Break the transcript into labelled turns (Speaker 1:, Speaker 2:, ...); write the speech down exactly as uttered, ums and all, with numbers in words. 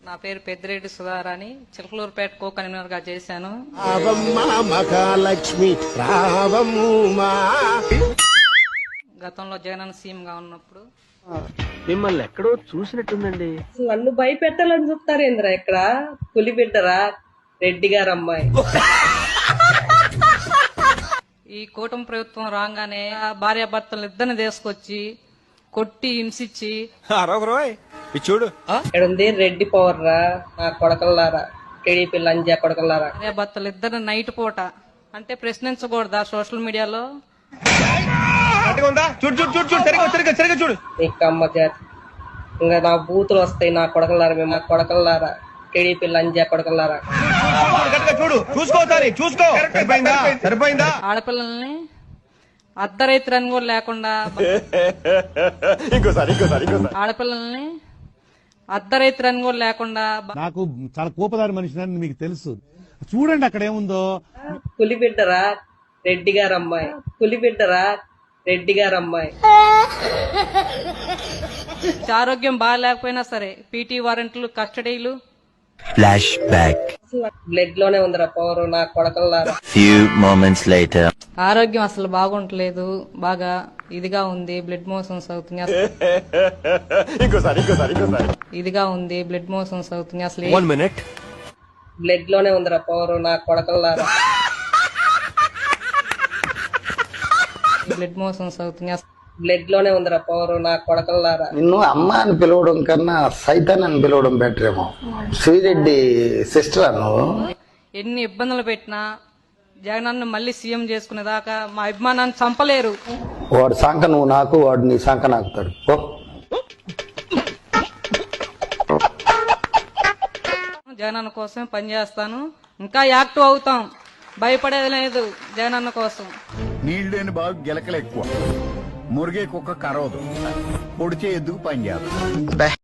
Speaker 1: నా పేరు Peddireddy Sudharani, Chilakaluripet co convener గా చేశాను. గతంలో జగనన్న సీఎం గా ఉన్నప్పుడు
Speaker 2: మిమ్మల్ని ఎక్కడో చూసినట్టుందండి.
Speaker 3: నన్ను భయపెట్టాలని చూస్తారేంద్రా? ఇక్కడ పులి బిడ్డరా రెడ్డి గారు అమ్మాయి.
Speaker 1: ఈ కూటమి ప్రభుత్వం రాగానే భార్యాభర్తలు ఇద్దరిని తీసుకొచ్చి కొట్టి హింసించి
Speaker 4: చూడు
Speaker 3: ఇక్కడ ఉంది రెడ్డి పవర్ రా నా కొడకల్లారా, టీడీపీ లంజా కొడకల్లారా.
Speaker 1: భార్యాభర్తలు ఇద్దరిని నైట్ పూట అంటే ప్రశ్నించకూడదా సోషల్ మీడియాలో?
Speaker 4: చూడు
Speaker 3: నీకు అమ్మ జాతి ఇంకా నా బూతులు వస్తాయి. నా కొడకల్లారా, మేము నా కొడకల్లారా, టీడీపీ లంజా కొడకల్లారా.
Speaker 4: చూడు చూసుకోవాలి చూసుకో సరిపోయిందా సరిపోయిందా
Speaker 1: ఆడపిల్లల్ని అర్ధరైతులని కూడా లేకుండా
Speaker 4: ఇంకోసారి ఇంకోసారి ఇంకోసారి
Speaker 1: ఆడపిల్లల్ని అర్ధరైతులని కూడా లేకుండా
Speaker 5: నాకు చాలా కోపదారి మనిషిని మీకు తెలుసు. చూడండి అక్కడ ఏముందో.
Speaker 3: పులి బిడ్డరా రెడ్డి గారు అమ్మాయి, పులి బిడ్డరా రెడ్డి గారు అమ్మాయి.
Speaker 1: ఆరోగ్యం బాగాలేకపోయినా సరే పీటీ వారెంట్లు, కస్టడీలు.
Speaker 6: Flash back.
Speaker 3: బ్లడ్ లోనే ఉందిరా పవర్ నా కొడకల్లారా.
Speaker 6: Few moments later.
Speaker 1: ఆరోగ్యం అసలు బాగుంటలేదు, బాగా ఇదిగా ఉంది, బ్లడ్ మోషన్స్ అవుతుంది.
Speaker 4: ఇంకోసారి ఇంకోసారి ఇంకోసారి
Speaker 1: ఇదిగా ఉంది, బ్లడ్ మోషన్స్ అవుతుంది. అసలు
Speaker 4: వన్ మినిట్
Speaker 3: బ్లడ్ లోనే ఉందిరా పవర్ నా కొడకల్లారా.
Speaker 1: బ్లడ్ మోషన్స్ అవుతుంది.
Speaker 3: బ్లడ్ లోనే ఉందిరా పవర్ నా కొడకల్లారా.
Speaker 7: నిన్ను అమ్మ అని పిలవడం కన్నా సైతాన్ అని పిలవడం బెటర్ ఏమో. శ్రీరెడ్డి సిస్టర్ నువ్వు.
Speaker 1: ఎన్ని ఇబ్బందులు పెట్టినా జగనన్న మళ్ళీ సీఎం చేసుకునేదాకా మా అభిమానాన్ని చంపలేరు.
Speaker 7: వాడు సంక నువ్వు నాకు, వాడు నీ సంక నాకుతాడు. ఓ
Speaker 1: జగనన్న కోసం పనిచేస్తాను, ఇంకా యాక్టివ్ అవుతాం, భయపడేది లేదు జగనన్న కోసం.
Speaker 8: నీళ్లేని బాగా గిలకలు ఎక్కువ, మురిగే కుక్క కరవదు, పొడిచే ఎద్దుకు పని చేయాలి.